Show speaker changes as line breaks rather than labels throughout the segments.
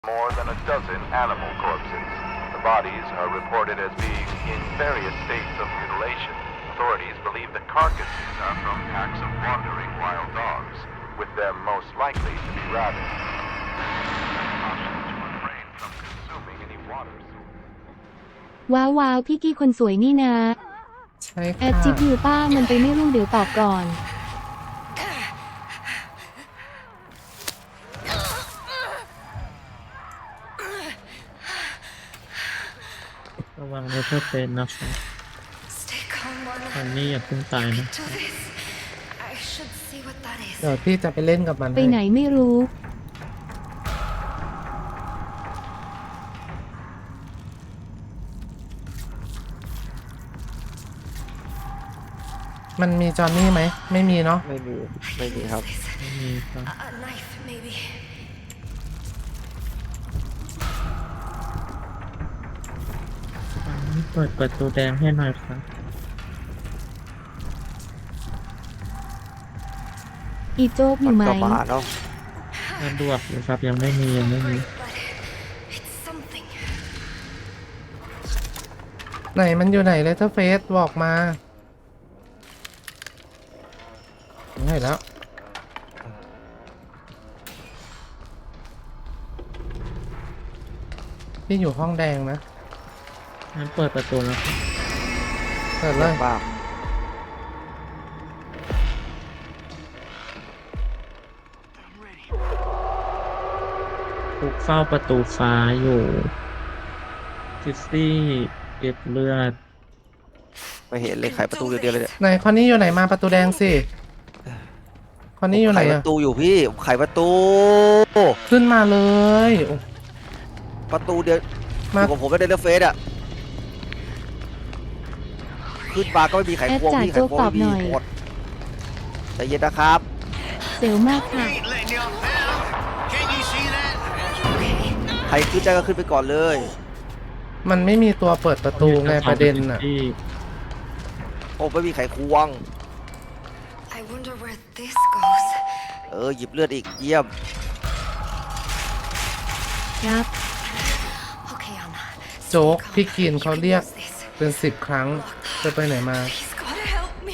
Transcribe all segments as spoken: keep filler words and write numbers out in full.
more than a dozen animal corpses. The bodies are reported as being in various states of mutilation. Authorities believe the carcasses are from packs of wandering wild dogs, with them most likely to be rabid. Caution to refrain from consuming any water source.
ว้าวว้าวพี่กี้คนสวยนี่นะ
ใช่
แอด
ค่ะ
จิ๊บยูป้ามันไปไม่รุ่งเดี๋ยวตอบก่อน
ระวังเลเซอร์เป็นนะครับอันนี้อย่าเพิ่งตายนะ
เดี๋ยวพี่จะไปเล่นกับมัน
ไปไหนไม่รู้
มันมีจอห์นนี่ไหมไม่มีเนาะ
ไม่มีไม่มีครับ
ไม่มีครับอันนี้เปิดประตูแดงให้หน่อยครับ
อีโจ๊กอยู่ไหม
ก็มาเนาะ
สะดวกอยู่ครับยังไม่มียังไม่มี
ไหนมันอยู่ไหนเลเทอร์เฟสบอกมาเห็นแล้วพี่อยู่ห้องแดงนะ
งั้นเปิดประตูแล้วครับ
เปิดเลย
บ้าง
ทุกเฝ้าประตูฟ้าอยู่ซิซี่เก็บเลือด
ไม่เห็นเลยไขประตูเดียวๆเลยเนี่ย
ไหนคอนนี่อยู่ไหนมาประตูแดงสิคอนนี่อยู่ไหน
ไขป
อะ
ระตูอยู่พี่ไขประตู
ขึ้นมาเลยโอ้
ประตูเดียว
มา
อยู่กับผมไม่ได้เลือกเฟสอะขึ้นมาก็ไม่มีไขควง
แอดจ่าย
พี่ไข
โจ๊ก
ควง
ตอบ
ไม่
ห
มี
น่อย
หมดใจเย็นนะครับ
เซลมากค่ะ
ใครขึ้นได้ก็ขึ้นไปก่อนเลย
มันไม่มีตัวเปิดประตูไงประเด็นอะ
ที่
โอ้ไม่มีไขควง
I wonder where this goes.
เออหยิบเลือดอีกเยี่ยม
ครับ
Okay, Anna.
โจ๊กพี่กินเขาเรียก
Use this.
เป็นสิบครั้งจะไปไหนมา
He's gotta help me.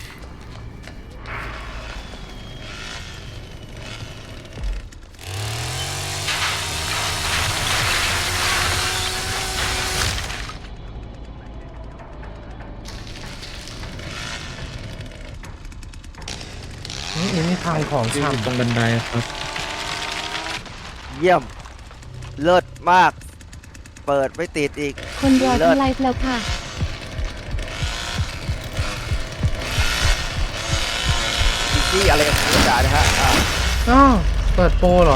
นี่อันนี่ทางของ
ที่อยู่ตร
ช่ำ
งบันไดครับ
เยี่ยมเลิศมาก เปิดไม่ติดอีก
คนรอ
เลิศ
ที่ไลฟ์แล้วค่ะ
นี่อะไรกันคุณจ๋านะฮะอ่ะ
อ้าวเปิดโปรเหรอ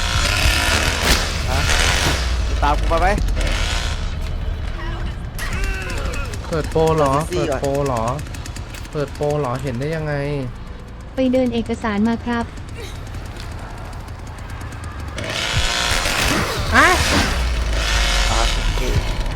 ตามกูมาไหม
เปิดโปรเหรอ
เปิ
เปิ
ด
ด
ซี่ก่อน
โปรเหรอ เปิดโปรเหรอ เห็นได้ยังไง
ไปเดินเอกสารมาครับ
อ่ะ
อ่ะโอเค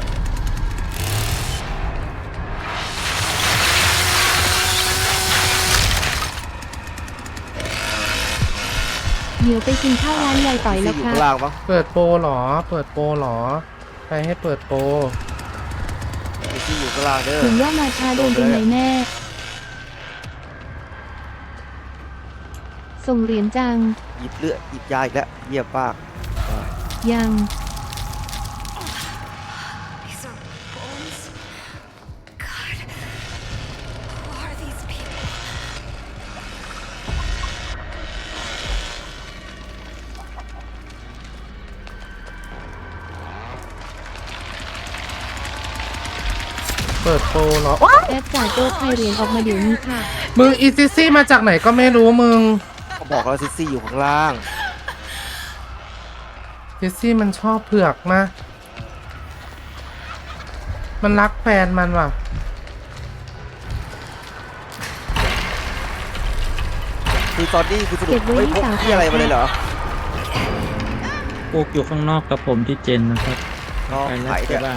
เดี๋ยวไปกินข้าวร้านยายต่อยแล้ว
อยู่
ครั
ข้าง
บ
ล่างปะ
เปิดโปรเหรอ เปิดโปรเหรอ ใครให้เปิดโปร
ที่อยู่ข้างล่างเด้อ
ถึงว่ามาช้าโดนเป็นไหนแน่ ส่งเหรียญจัง
หยิบเลือดหยิบยาอีกแล้วเยี่ยมมาก
ยัง
These are bones. God, who are these people?
เปิดโปรเหรอ
แอดจ่ายโจ๊กไทยเหรียญออกมาเดี๋ยวนี้ค่ะ
มึงอีซิซี่มาจากไหนก็ไม่รู้มึง
ก็บอกแล้วซิซี่อยู่ข้างล่าง
ซิซี่มันชอบเผือกมา มันรักแฟนมันว่ะ
คือตอนนี้คือสรุ
เก็
ป
บไว้
ไม่
ที่
พก
สาว
ที่อะไรมาเลยเหรอ
พวกอยู่ข้างนอกกับผมที่เจนนะครับ
น้อง
ไปแล้ว
ไข่
ใช่
เนี่ย
บ้าง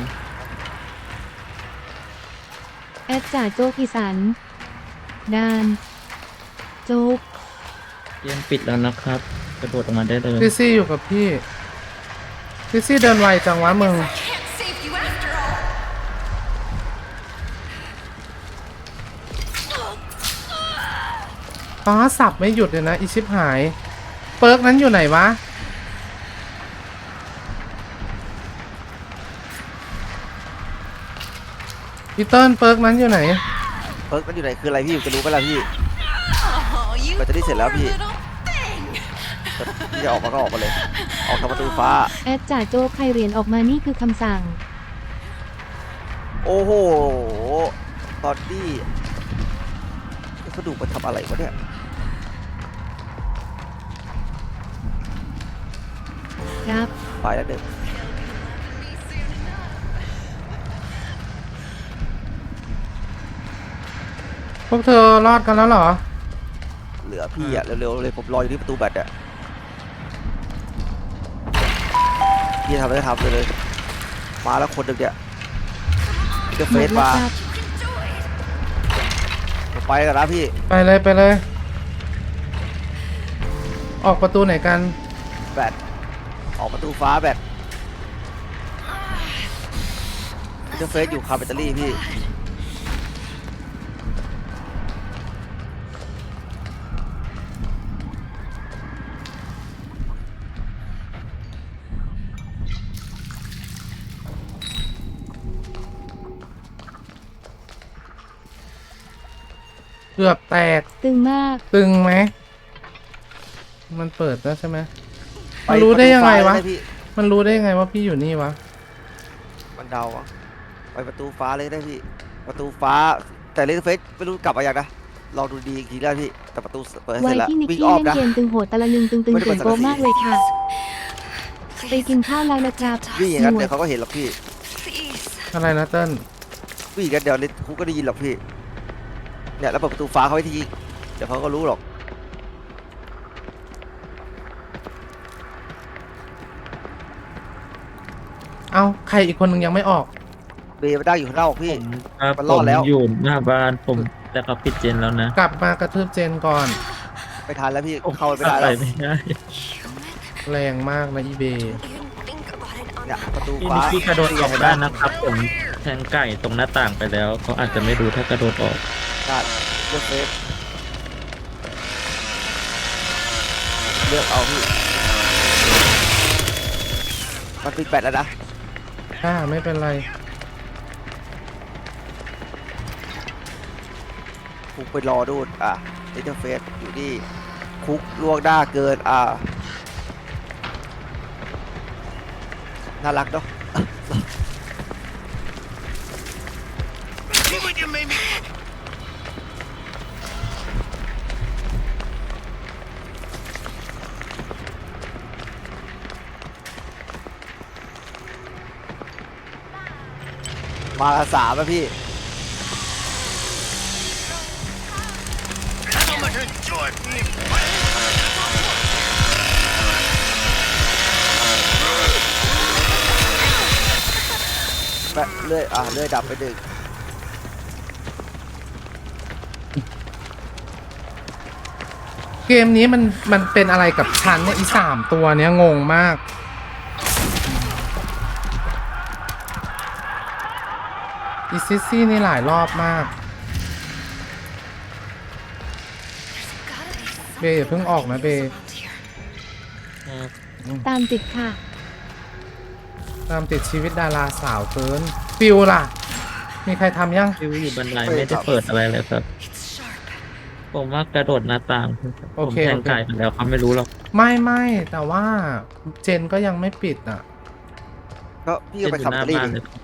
แอดจ่ายโจ๊กอีสันดานโจ๊ก
เตียงปิดแล้วนะครับ กระโดดออกมาได้เลย
ซิซี่อยู่กับพี่ซิซี่เดินไวจังวะมึง
I can't save you after all.
ป้าสับไม่หยุดเลยนะอีชิบหาย เปิร์กนั้นอยู่ไหนวะพี่เติ้ลเปิร์กนั้นอยู่ไหน
เพิร์กมันอยู่ไหนคืออะไรพี่จะรู้ไหมล่ะพี่
Oh, you
แบตเตอรี่เสร็จแล้ว
poor
พี่
little thing.
พี่จะออกมาก็ออกมาเลย ออกทางประตูฟ้า
แอดจ่าโจ๊กใครเหรียญออกมานี่คือคำสั่ง
โอ้โห ตอนนี้เขาดูมันทำอะไรวะเนี่ย
ครับ
ไปแล้วเด็ก
พวกเธอรอดกันแล้วเหรอ
เหลือพี่อะเร็วๆเลยผมรออยู่ที่ประตูแบตอะพี่ทำอะไรก็ทำเลยเลย มาแล้วคนหนึ่งเนี่ยพี่จะ
ห
เฟ
ม
ซ
ดแล้ว
มา
ครับ
ผมไปกันนะพี่
ไปเลยไปเลย ออกประตูไหนกัน
แบตออกประตูฟ้าแบตพี่จะเฟซอยู่คาร์แบตเตอรี่พี่
เกือบแตก
ตึงมาก
ตึงไหม มันเปิดแล้วใช่ไหม
ไป
มันรู้ได้ยังไงวะ
ประตูฟ้าเลยนะพี่
มันรู้ได้ยังไงว่าพี่อยู่นี่วะ
มันเดาอะไปประตูฟ้าเลยได้พี่ ประตูฟ้า แต่เล่นเฟซไม่รู้กลับมาอย่างนะลองดูดีอีกทีได้พี่ แต่ประตูเปิดเส
วั
ร็
ย
จแล้ว
ที่นิก
วิ่ง
กี้
อ้อม
เล่น
นะ
เกมตึงโหดตะละนึงตึงตึง
ไม่ได้
เสียงโป๊ะ
เปิดสังกะสี
มากเลยค่ะ ไป
Please,
กินข้าวแล้วนะครับ
วิ่งอย่างนั้น
หนว
เดี๋
ด
ยวเขาก็เห็นหรอกพี่
please.
อะไรนะเติ้ล
วิ่งอย่างนั้นเดี๋ยวลิคุกก็ได้ยินหรอกพี่ เนี่ยแล้วเปิดประตูฟ้าเขาไว้ทีเดี๋ยวเขาก็รู้หรอก
เอาใครอีกคนนึงยังไม่ออก
เบย์มาได้อยู่ข้างนอกพี่
ผมครับ
มัน
ผ
รอ
ม
ดแล้ว
อยู่หน้าบ้านผมแต่เขาปิดเจนแล้วนะ
กลับมากระทืบเจนก่อน
ไม่ทันแล้วพี่
ผม
เข้าไปไม่ได้
ไป
แล้ว
ไม่ได้
Human?
แรงมากนะอีเบ
You think about it on
เนี่ยประตู
พี่
ฟ้า
นิกกี้กระโดดออกได้นะครับ ผมแทงไก่ตรงหน้าต่างไปแล้วเขาอาจจะไม่รู้ถ้ากระโดดออก
ได้เลือกเฟซเลือกเอาพี่ มันปิดแบตแล้วนะ
ถ้าไม่เป็นไร
คุกไปรอดูดอ่ะอินเทอร์เฟซอยู่นี่คุกล่วงหน้าเกินอ่ะน่ารักเนาะ มาละสามอะพี่ แบะเลื่อยอ่ะเลื่อยดับไปหนึ่ง
เกมนี้มันมันเป็นอะไรกับฉันเนี่ยอีสามตัวเนี้ยงงมาก อีซิซี่นี่หลายรอบมาก
Gotta be
เบย์อย่าเพิ่งออกนะเบย์
around here.
ตามติดค่ะ
ตามติดชีวิตดาราสาวเกิน ฟิวล่ะ มีใครทำยัง
ฟิวอยู่บันไดไม่ได้เปิดอะไรเลยครับ
It's sharp.
ผมว่ากระโดดหน้าต่าง
โอ
ผม
เค
แทง
โอเค
ไก่ไปแล้วเขาไม่รู้หรอก
ไม่ไม่แต่ว่าเจนก็ยังไม่ปิดอ่ะ
ก็พี่
เจ
ก็
น
ไป
อยู่
ขับ
หน้า
ตอรี่
บ้าน
ดิ
เลยครับ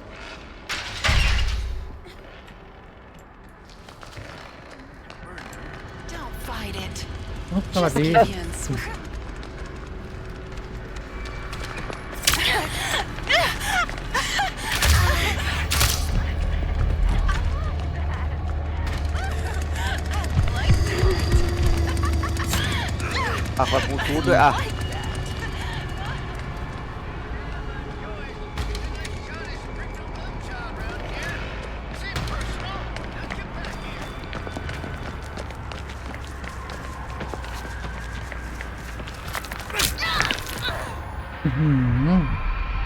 Don't fight it.
สวัสดี
Champions.
อ่ะคอยบลูทูธด้วยอ่ะ
อื้อหือ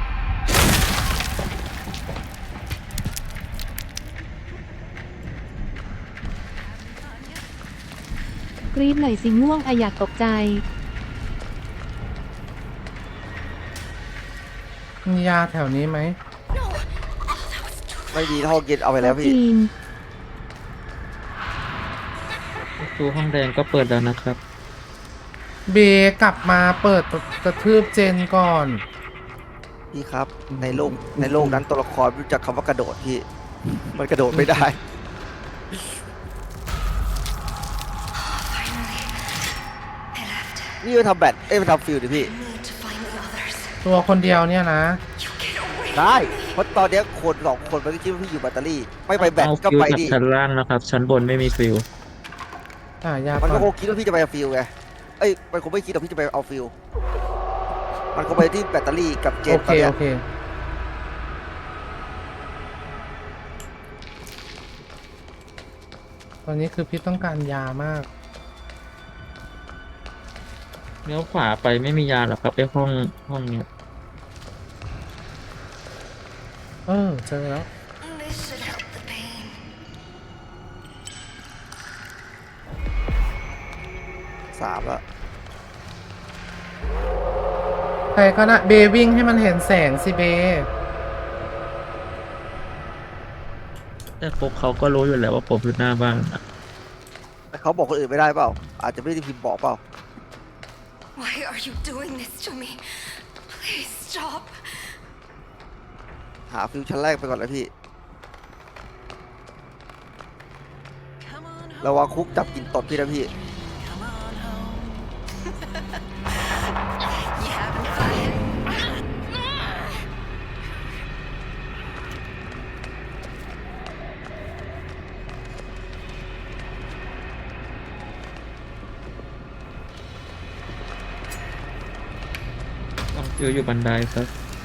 กรี๊ดหน่อยสิง่วงอะอยากตกใจ
มียาแถวนี้ไหม
ไม่ดีห้องเย็นเอาไปแล้วพี่
จีน
ประตูห้องแดงก็เปิดแล้วนะครับ
เบกลับมาเปิดกระทืบเจนก่อน
พี่ครับ ในโลกในโลกนั้นตัวละครรู้จักคำว่ากระโดดพี่ มันกระโดดไม่ได้ นี่ไปทำแบตเอ้ยไปทำฟิลดิพี่
Need to find the others.
ตัวคนเดียวเนี่ยนะ
You get away.
ได้ เพราะตอนเนี้ยคนสองคนมันก็คิดว่าพี่อยู่แบตเตอรี่ ไม่ไปแบต
เอา
ก็
ฟิว
ไป
จาก
ดิ
ชั้นล่างนะครับ ชั้นบนไม่มีฟิว
อ่ายา
มัน
ก่
ก็
อน
คงคิดว่าพี่จะไปเอาฟิลไง เอ้ย มันคงไม่คิดว่าพี่จะไปเอาฟิล มันคงไปที่แบตเตอรี่กับเจ
โอน
ต
เค
อนเนี้ย
โอเค ตอนนี้คือพี่ต้องการยามาก
เลี้ยวขวาไปไม่มียาหรอกครับไอห้องห้องเนี้ย
เออ เจอแล้ว
This should help the pain.
สามแล้ว
ใครก็นะเบวิ่งให้มันเห็นแสงสิเบ
แต่พวกเขาก็รู้อยู่แล้วว่าผมอยู่หน้าบ้านนะ
แต่เขาบอกคนอื่นไม่ได้เปล่า อาจจะไม่ได้พิมพ์บอกเปล่า
Why are you doing this to me? Please stop.
หาฟิวชั้นแรกไปก่อนนะพี่ ระวังคุกจับกินตดพี่นะพี่
You haven't got it.
ต้องฟิวอยู่บันไดครับ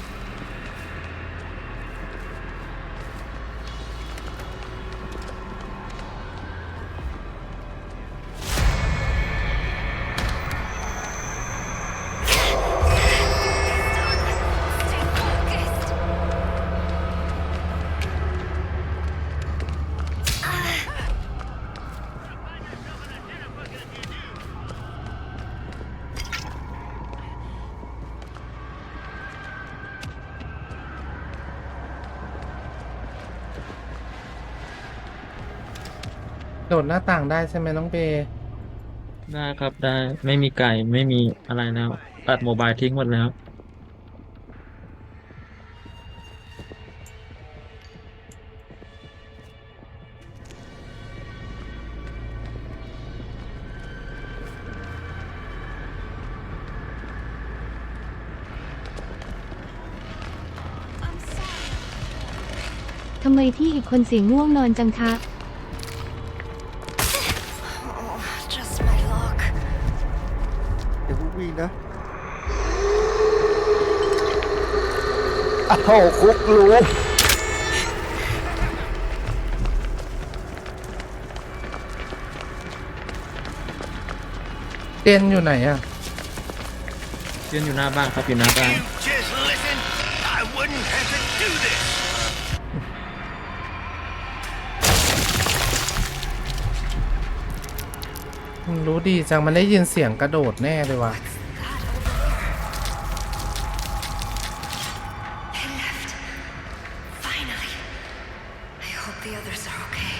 Stay focused.
โดดหน้าต่างได้ใช่ไหมน้องเบ
ได้ครับได้ไม่มีไก่ไม่มีอะไรแล้ว ตัดโมบายทิ้งหมดแล้ว
ทำไมพี่อีกคนเสียงง่วงนอนจังคะ
Oh, just my luck.
เดี๋ยวพวกวิ่งนะ อ้าวคุกรู้
เจนอยู่ไหนอะ
เพื่อนอยู่หน้าบ้านครับอยู่หน้าบ้าน
Just listen, I wouldn't have to do this.
มันรู้ดีจังมันได้ยินเสียงกระโดดแน่เลยว่ะ
That over there. They left. Finally. I hope the others are okay.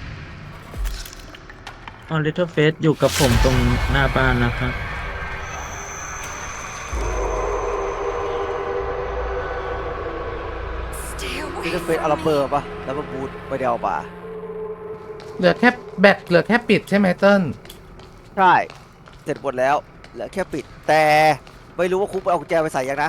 ออลิทเทิลเฟสอยู่กับผมตรงหน้าบ้านนะครับ
Stay
นี่
away
จะเป็น
from
อารา
me.
เบอร์ปะแล้วมาบูทไปเดวป่า
เหลือแค่แบตเหลือแค่ปิดใช่ไหมเติ้ล
ใช่ เสร็จหมดแล้ว เหลือแค่ปิด แต่ไม่รู้ว่าคุกไปเอากุญแจไปใส่ยังนะ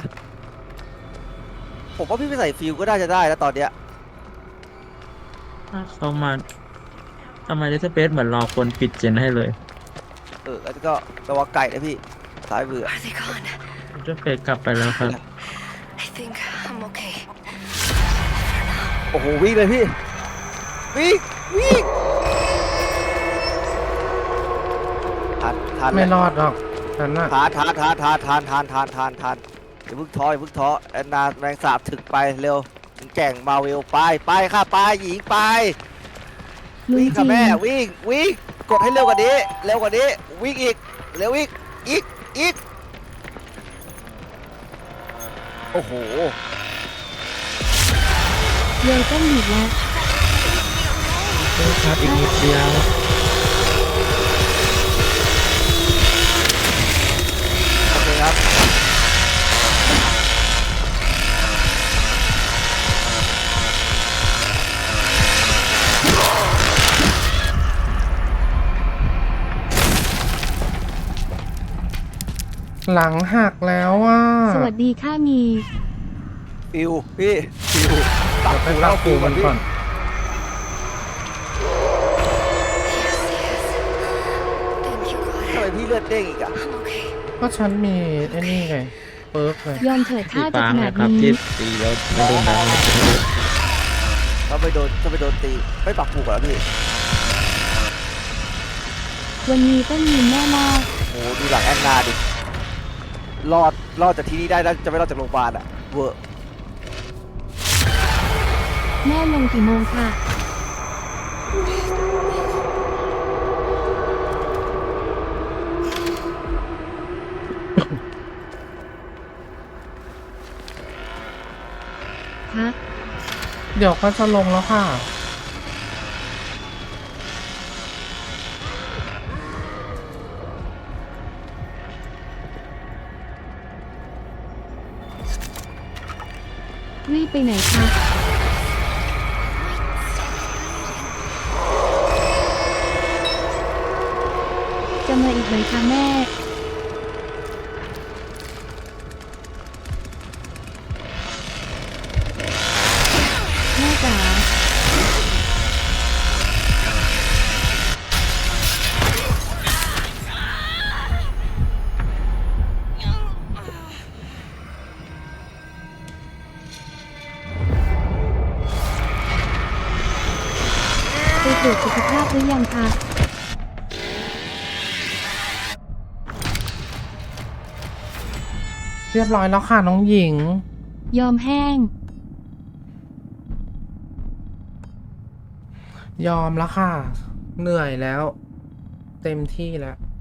ผมว่าพี่ไปใส่ฟิลก็น่าจะได้แล้วตอนเนี้ย
ถ้าเขามาทำไมลิทเทิลเฟสเหมือนรอคนปิดเจนให้เลย
เออแล้วก็ระวังไก่นะพี่ สายเบื่อ
Are they gone?
ลิทเทิลเฟสกลับไปแล้วครับ
I think I'm okay.
โอ้โหวิ่งเลยพี่ วิ่ง วิ่งทันทัน
ไม่รอดหรอกฉันน่ะ
ทานทานทานทานทานทานทานทานทานอย่าเพิ่งท้ออย่าเพิ่งท้อแอนนาแมงสาบถึงไปเร็วถึงแก่งมาเวลไปไปค่ะไปหญิงไป
ลุง
วิ่ง
จี
ค่ะแม่
น
วิ่งวิ่งกดให้เร็วกว่านี้ เร็วกว่านี้วิ่งอีกเร็วอีกอีกอีกโอ้โห
เลยต้นหนีแล้ว
โทษครับอีกนิดเดียว
โอเคครับ
หลังหักแล้วอ่ะ
สวัสดีค่ะมี
ฟิวพี่ฟิว
เดี๋ยวไปปรับปรุงมันก่อน
Thank you,
ทำ
God.
ไมพี่เลือดเด้งอีกอะ
I'm okay.
ก็ฉันมีไอ้นี่ไง เปิร์กเลย
ยอมเถิด
สี
ถ้าจะ
ฟ้า
ข
ไง
นาด
ครับ
นี้
ที่ตีแล้วไม่โดนดัง
ถ้าไปโดนถ้าไปโดนตีไม่ปักผูกเหรอพี่
วันนี้ต้องยินแน่มาก
โอ้โหดูหลังแอนนาดิรอดรอดจากที่นี่ได้แล้วจะไม่รอดจากโรงพยาบาลอะเวอร์
แม่ลงกี่โมงค่ะ ฮะ
เดี๋ยวก็จะลงแล้วค่ะ
รีบไปไหนคะ จะมาอีกไหมคะแม่ แม่จ๋า ไปตรวจสุขภาพหรือยังคะ
เรียบร้อยแล้วค่ะน้องหญิง
ยอมแห้ง
ยอมแล้วค่ะ เหนื่อยแล้ว เต็มที่แล้ว